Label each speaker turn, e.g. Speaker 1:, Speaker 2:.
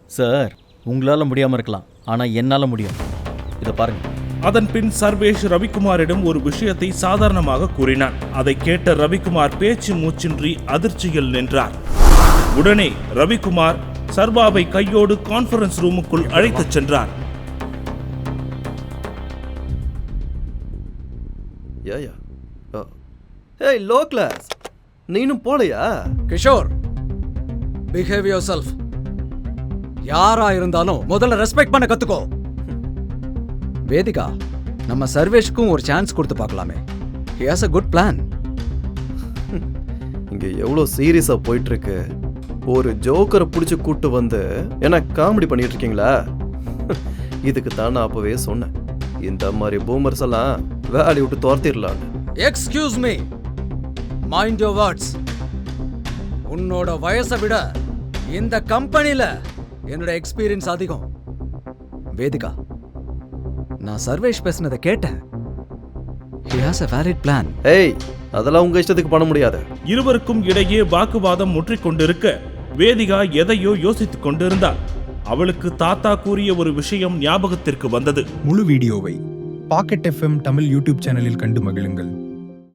Speaker 1: Sir, உங்களால் முடியாமல் இருக்கலாம், ஆனால் என்னால் முடியும். இதை பாருங்க.
Speaker 2: அதன் பின் சர்வேஷ் ரவிக்குமாரிடம் ஒரு விஷயத்தை சாதாரணமாக கூறினான். அதை கேட்ட ரவிக்குமார் பேச்சு மூச்சின்றி அதிர்ச்சியில் நின்றார். உடனே ரவிக்குமார் சர்வாவை கையோடு கான்ஃபரன்ஸ் ரூமுக்குள் அழைத்துச் சென்றார்.
Speaker 3: ஏய் லோ கிளாஸ், நீனும் போலையா?
Speaker 4: Kishore, behave yourself. யாரா இருந்தாலும் முதல்ல ரெஸ்பெக்ட் பண்ண கத்துக்கோ. வேதிகா, நம்ம சர்வேஷ்க்கும் ஒரு சான்ஸ் கொடுத்து பார்க்கலாமே. He has a good plan.
Speaker 3: இங்க எவ்வளோ சீரியஸா போயிட்டு இருக்கு. ஒரு ஜோக்கரை பிடிச்சி கூட்டு வந்து என்ன காமெடி பண்ணிட்டு இருக்கீங்களா? இதுக்கு தான் நான் அப்பவே சொன்னேன், இந்த மாதிரி பூமர்ஸ் எல்லாம் வேலையை விட்டு துரத்திடலான்னு.
Speaker 4: Excuse me, mind your words. உன்னோட வயசை விட இந்த கம்பெனில என்னோட எக்ஸ்பீரியன்ஸ் அதிகம். வேதிகா, நான் சர்வேஷ் பேசினதை கேட்டேன். He has a valid plan.
Speaker 3: ஏய், அதெல்லாம் உங்க இஷ்டத்துக்கு பண்ண முடியாது.
Speaker 2: இருவருக்கும் இடையே வாக்குவாதம் முற்றிக்கொண்டிருக்க வேதிகா எதையோ யோசித்துக் கொண்டிருந்தாள். அவளுக்கு தாத்தா கூறிய ஒரு விஷயம் ஞாபகத்திற்கு வந்தது.
Speaker 5: முழு வீடியோவை பாக்கெட் FM தமிழ் யூடியூப் சேனலில் கண்டு மகிழுங்கள்.